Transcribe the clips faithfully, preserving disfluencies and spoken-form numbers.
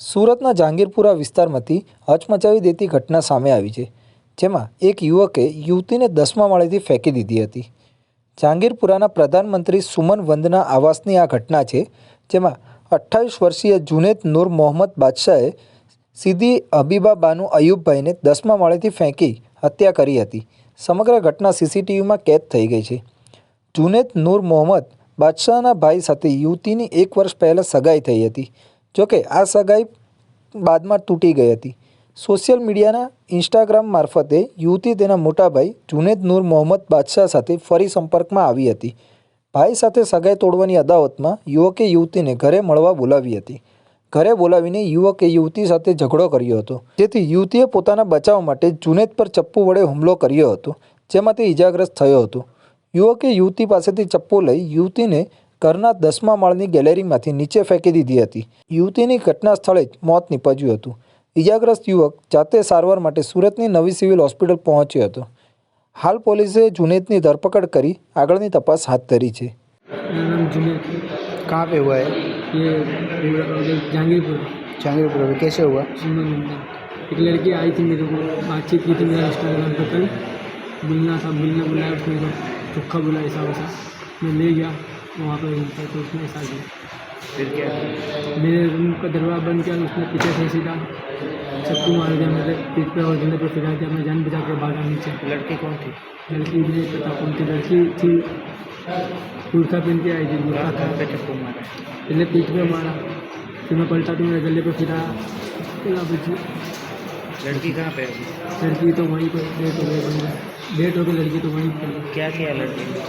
સુરતના જહાંગીરપુરા વિસ્તારમાંથી હચમચાવી દેતી ઘટના સામે આવી છે, જેમાં એક યુવકે યુવતીને દસમા માળેથી ફેંકી દીધી હતી. જહાંગીરપુરાના પ્રધાનમંત્રી સુમન વંદના આવાસની આ ઘટના છે, જેમાં અઠ્ઠાવીસ વર્ષીય જુનેદ નૂર મોહમ્મદ બાદશાહે સીધી હબીબા બાનુ અયુબભાઈને દસમા માળેથી ફેંકી હત્યા કરી હતી. સમગ્ર ઘટના સીસીટીવીમાં કેદ થઈ ગઈ છે. જુનેદ નૂર મોહમ્મદ બાદશાહના ભાઈ સાથે યુવતીની એક વર્ષ પહેલાં સગાઈ થઈ હતી. જોકે આ સગાઈ બાદમાં તૂટી ગઈ હતી. સોશિયલ મીડિયાના ઇન્સ્ટાગ્રામ મારફતે યુવતી તેના મોટા ભાઈ જુનેદ નૂર મોહમ્મદ બાદશાહ સાથે ફરી સંપર્કમાં આવી હતી. ભાઈ સાથે સગાઈ તોડવાની અદાવતમાં યુવકે યુવતીને ઘરે મળવા બોલાવી હતી. ઘરે બોલાવીને યુવકે યુવતી સાથે ઝઘડો કર્યો હતો, જેથી યુવતીએ પોતાના બચાવ માટે જુનેદ પર ચપ્પુ વડે હુમલો કર્યો હતો, જેમાં તે ઇજાગ્રસ્ત થયો હતો. યુવકે યુવતી પાસેથી ચપ્પુ લઈ યુવતીને ઘરના દસમા માળની ગેલેરીમાંથી નીચે ફેંકી દીધી હતી. યુવતીની ઘટના સ્થળે જ મોત નીપજ્યું હતું. ઇજાગ્રસ્ત યુવક જાતે સારવાર માટે સુરતની નવી સિવિલ હોસ્પિટલ પહોંચ્યો હતો. હાલ પોલીસે જુનેદની ધરપકડ કરી આગળની તપાસ હાથ ધરી છે. मेरा नाम जुनेद। कहाँ पे हुआ है? ये जहांगीरपुर जहांगीरपुर में कैसे हुआ? सुमन नंदन। एक लड़की आई थी मेरे को, बातचीत की थी मेरा इंस्टाग्राम पर, कल मिलना था, मिलने बुलाया उसने को चोखा बुलाया ऐसा वैसा, मैं ले गया वहाँ पर घूमता तो उसने ऐसा किया। फिर क्या? मेरे रूम का दरवाज़ा बंद किया, उसने पीछे से सीधा चक्कू मार दिया मेरे पीठ पे और गले पे फिरा दिया। मैं जान बचा के भागा नीचे। लड़की कौन थी? लड़की भी नहीं पता कौन थी। लड़की थी कुर्ता पहन के आई थी, कुर्ता था। पे चप्पू मारा? पहले पीठ पे मारा, फिर मैं पलटा तो मेरे गले पे फिरा गला बची। लड़की कहाँ पे है? लड़की तो वहीं पर डेट हो गई, बन गया डेट हो गई, लड़की तो वहीं पर। क्या किया लड़की ने?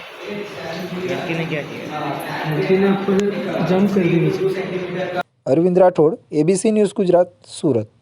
लड़की ने क्या किया? लड़की ने ऊपर जंप कर दी नीचे। Arvind Rathod, ABC news Gujarat, Surat.